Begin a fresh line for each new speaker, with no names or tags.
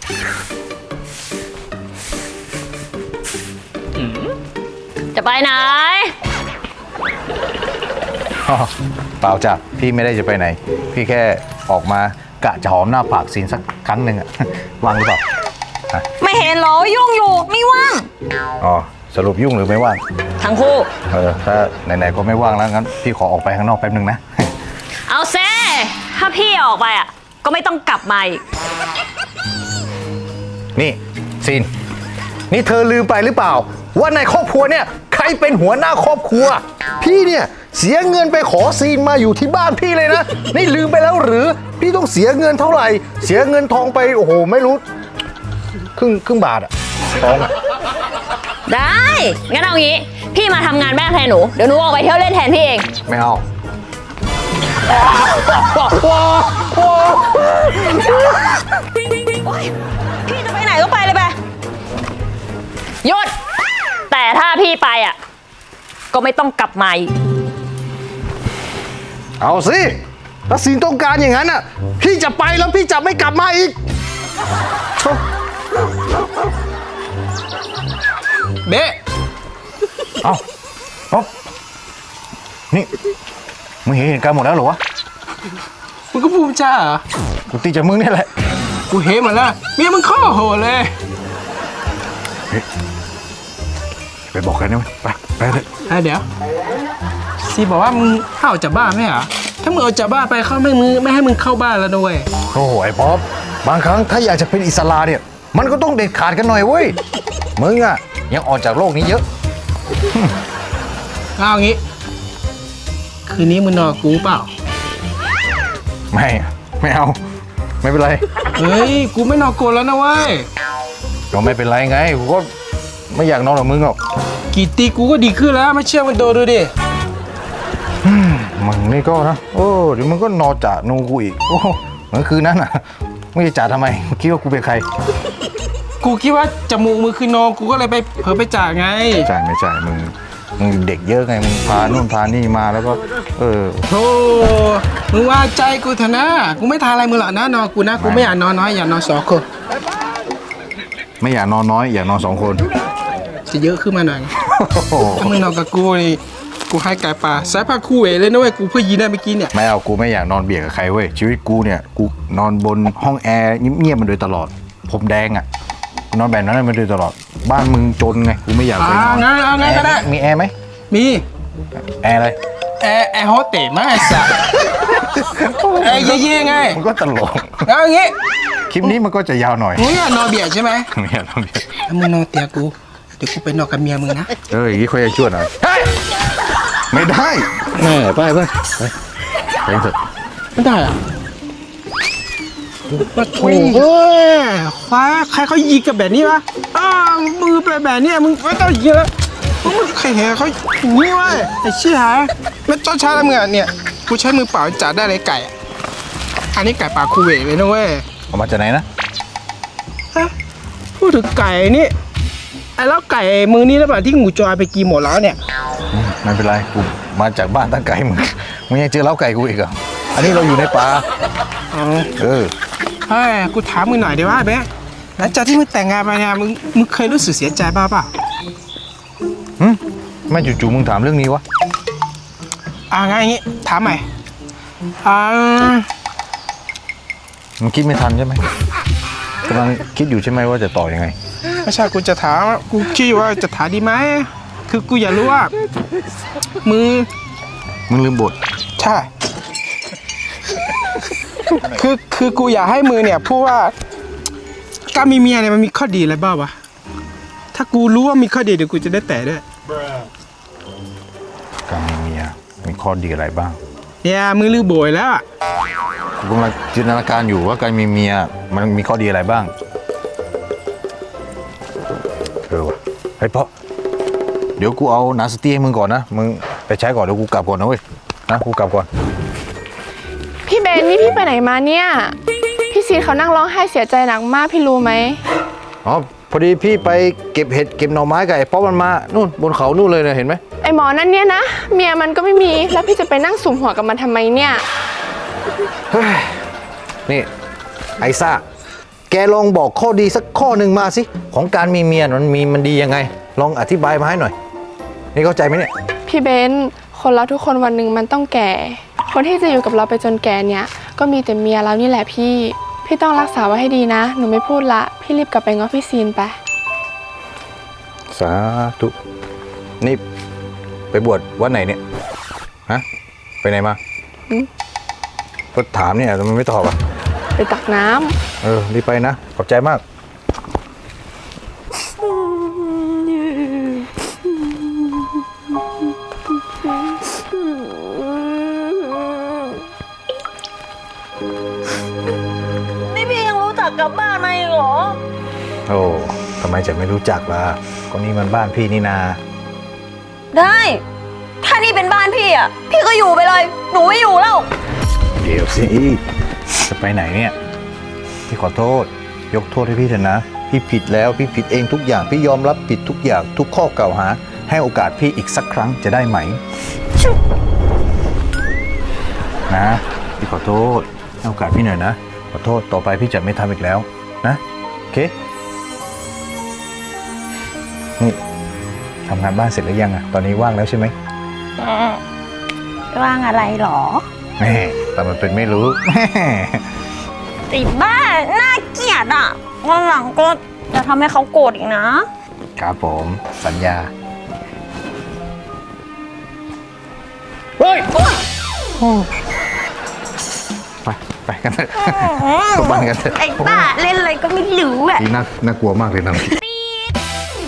จะไปไหน
เปล่าจ้ะพี่ไม่ได้จะไปไหนพี่แค่ออกมากะจะหอมหน้าปากซีนสักครั้งหนึ่งอะ ว่างหรือเปล่า
ไม่เห็นเหรอยุ่งอยู่ไม่ว่าง
อ๋อสรุปยุ่งหรือไม่ว่าง
ทั้งคู่
ถ้าไหนๆก็ไม่ว่างแล้วงั้นพี่ขอออกไปข้างนอกแป๊บนึงนะ
เอาเซ่ถ้าพี่ออกไปอ่ะก็ไม่ต้องกลับมาอีก
นี่ซีนนี่เธอลืมไปหรือเปล่าว่าในครอบครัวเนี่ยใครเป็นหัวหน้าครอบครัวพี่เนี่ยเสียเงินไปขอซีนมาอยู่ที่บ้านพี่เลยนะนี่ลืมไปแล้วหรือพี่ต้องเสียเงินเท่าไหร่เสียเงินทองไปโอ้โหไม่รู้ครึ่งบาทอะทองอะ
ได้งั้นเอางี้พี่มาทำงานแม่แทนหนูเดี๋ยวหนูออกไปเที่ยวเล่นแทนพี่เอง
ไม่เอา
พี่จะไปไหนก็ไปเลยไปหยุดแต่ถ้าพี่ไปอ่ะก็ไม่ต้องกลับมาอีก
เอาสิถ้าซีนต้องการอย่างนั้นอ่ะพี่จะไปแล้วพี่จะไม่กลับมาอีก
เบ๊ะ
เอานี่มึงเห็นเหตุการณ์หมดแล้วเหรอวะ
มึงก็ภูมิใจเหรอ
กูตีจากมึงนี่แหละ
กูเห็นหมดแล้วเมียมึงข้อโหดเลย
ไปบอกใครนะไปเลย
เดี๋ยวซีบอกว่ามึงเข้าจากบ้านไม่เหรอถ้ามึงเอาจากบ้านไปเขาไม่ให้มึงเข้าบ้านแล้วด้วย
โอ้โหไอ้ป๊อปบางครั้งถ้าอยากจะเป็นอิสระเนี่ยมันก็ต้องเด็ดขาดกันหน่อยเว้ยมึงอ่ะยังออกจากโลกนี้เยอะ
เอางี้คืนนี้มึงนอนกูเปล่า
ไม่เอาไม่เป็นไร
เฮ้ยกูไม่นอนกูแล้วนะเว้ย
ก็ไม่เป็นไรไงกูก็ไม่อยากนอนกับมึงหรอก
กี่ตีกูก็ดีขึ้นแล้วไม่เชื่อมันโดนดูดิ
มึงนี่ก็นะโอ้เดี๋ยวมึงก็นอนจ่านูกูอีกโอ้เหมือนคืนนั้นอ่ะไม่จะจ่าทำไมคิดว่ากูเป็นใคร
กูคิดว่าจมูกมือคือนอนกูก็เลยไปเผลอไปจ่าไง
ไม่จ่ามึงเด็กเยอะไงมึงพานู่นพานี่มาแล้วก็
โธ่มึงว่าใจกูเถอะนะกูไม่ทาอะไรมึงหรอกนะนอนกูนะกูไม่อยากนอนน้อยอยากนอน2 คน
ไม่อยากนอนน้อยอยากนอน2 คน
จะเยอะขึ้นมาหน่อยถ้ามึงนอนกับกูนี่กูให้ไก่ปลาสายผ้าคู่เอเลยนะเว้ยกูเพื่อยีนได้เมื่อกี้เนี่ย
ไม่เอากูไม่อยากนอนเบียดกับใครเว้ยชีวิตกูเนี่ยกูนอนบนห้องแอร์เงียบๆมาโดยตลอดผมแดงอ่ะนอนแบบนั้นมาโดยตลอดบ้านมึงจนไงกูไม่อยากไปนอน
งั้นก็ได้
มีแอร์ไหม
มี
แอร์อะไร
แอร์โฮสเตสมั้งไอ้สัสแอร์เย่ๆไง
มันก็ตลก
แล้วอย่างงี้
คลิปนี้มันก็จะยาวหน่อย
มึงอยากนอนเบียดใช่ไหม
ไม่อยากนอนเบียด
ถ้ามึงนอนเตียกูเดี๋ยวกูไปนอนกับเมียมึงนะ
อย่างนี้ค่อยจะช่วยหน่อยไม่ได้ไปเถอะ
ไม่ได้อะมาโถ่คว้าใครเขายิงกับแบบนี้วะมือไปแบบนี้มึงไม่ต้องยิงแล้วมึงใครเห็นเขาอย่างนี้วะไอ้เชี่ยไม่ต้องใช้อะไรมึงอ่ะเนี่ยกูใช้มือเปล่าจัดได้เลยไก่อันนี้ไก่ปลาคูเวตเลยนะเว้ย
เอามาจากไหนนะ
พูดถึงไก่นี่ไอ้แล้วไก่มือนี้แล้วแบบที่หมูจอยไปกินหมดแล้วเนี่ย
ไม่เป็นไรกูมาจากบ้านตั้งไก่มึงยังเจอเล้าไก่กูอีกเหรออันนี้เราอยู่ในป่า
เฮ้ยกูถามมึงหน่อยดีว่าเบ๊ะหลังจากที่มึงแต่งงานไปเนี่ยมึงเคยรู้สึกเสียใจบ้างเปล่า
ไม่จู่ๆมึงถามเรื่องนี้วะ
งั้นอย่างงี้ถามใหม่
มึงคิดไม่ทันใช่ไหมกำลังคิดอยู่ใช่ไหมว่าจะต่อยังไง
ไม่ใช่กูจะถามกูคิดว่าจะถามดีไหมคือกูอยากรู้ว่ามึง
ลืมบท
ใช่คือกูอยากให้มือเนี่ยพูดว่าการมีเมียเนี่ยมันมีข้อดีอะไรบ้างวะถ้ากูรู้ว่ามีข้อดีเดี๋ยวกูจะได้แต่ด้วย
การมีเมียมีข้อดีอะไรบ้าง
เนี่ยมือลืมโบยแล้ว
กูกำลังจินตนาการอยู่ว่าการมีเมียมันมีข้อดีอะไรบ้างวะเฮ้ยพ่อเดี๋ยวกูเอาหนังสตี้ให้มึงก่อนนะมึงไปใช้ก่อนเดี๋ยวกูกลับก่อนนะเว้ยนะกูกลับก่อน
พี่เบนนี่พี่ไปไหนมาเนี่ยพี่ซีเขานั่งร้องไห้เสียใจหนักมากพี่รู้ไหม
พอดีพี่ไปเก็บเห็ดเก็บหน่อไม้กับไอ้ป๊อปมันมานู่นบนเขานู่นเลยนะเห็นไหม
ไอ้หมอนั่นเนี่ยนะเมียมันก็ไม่มีแล้วพี่จะไปนั่งสุมหัวกับมันทำไมเนี่ย
นี่ไอซ่าแกลองบอกข้อดีสักข้อหนึ่งมาสิ ของการมีเมียมันดียังไง ลองอธิบายมาให้หน่อย นี่เข้าใจไหมเนี่ย
พี่เบนคนเราทุกคนวันหนึ่งมันต้องแก่ คนที่จะอยู่กับเราไปจนแก่เนี่ยก็มีแต่เมียเรานี่แหละพี่ต้องรักษาไว้ให้ดีนะ หนูไม่พูดละพี่รีบกลับไปง้อพี่ซีนไป
สาธุ นี่ไปบวชวัดไหนเนี่ย ฮะ ไปไหนมาก็ถามเนี่ยทำไมไม่ตอบอ่ะ
ไปตักน้ำ
รีบไปนะ ขอบใจมาก
นี่พี่ยังรู้จักกับบ้านมาอีกเหรอ
โอ้ทำไมจะไม่รู้จักล่ะก็นี่มันบ้านพี่นี่นา
ได้ ถ้านี่เป็นบ้านพี่อ่ะ พี่ก็อยู่ไปเลย หนูไม่อยู่แล้ว
เดี๋ยวสิ จะไปไหนเนี่ย พี่ขอโทษ ยกโทษให้พี่เถอะนะ พี่ผิดแล้วพี่ผิดเองทุกอย่าง พี่ยอมรับผิดทุกอย่างทุกข้อกล่าวหา ให้โอกาสพี่อีกสักครั้งจะได้ไหม นะ พี่ขอโทษให้โอกาสพี่หน่อยนะ ขอโทษต่อไปพี่จะไม่ทำอีกแล้วนะ โอเค นี่ทำงานบ้านเสร็จหรือยังอะตอนนี้ว่างแล้วใช่ไหม
ว่างอะไรหรอ
แม่แต่มันเป็นไม่รู้
ติบ้า น่าเกลียดอ่ะ วันหลังก็จะทำให้เขาโกรธอีกนะ
ครับผมสัญญา เฮ้ย ไปกันเถอะกลับบ้านกันเถอะ
ไอ้บ้า เล่นอะไรก็ไม่รู้อ่ะ
นี่น่ากลัวมากเลยนะ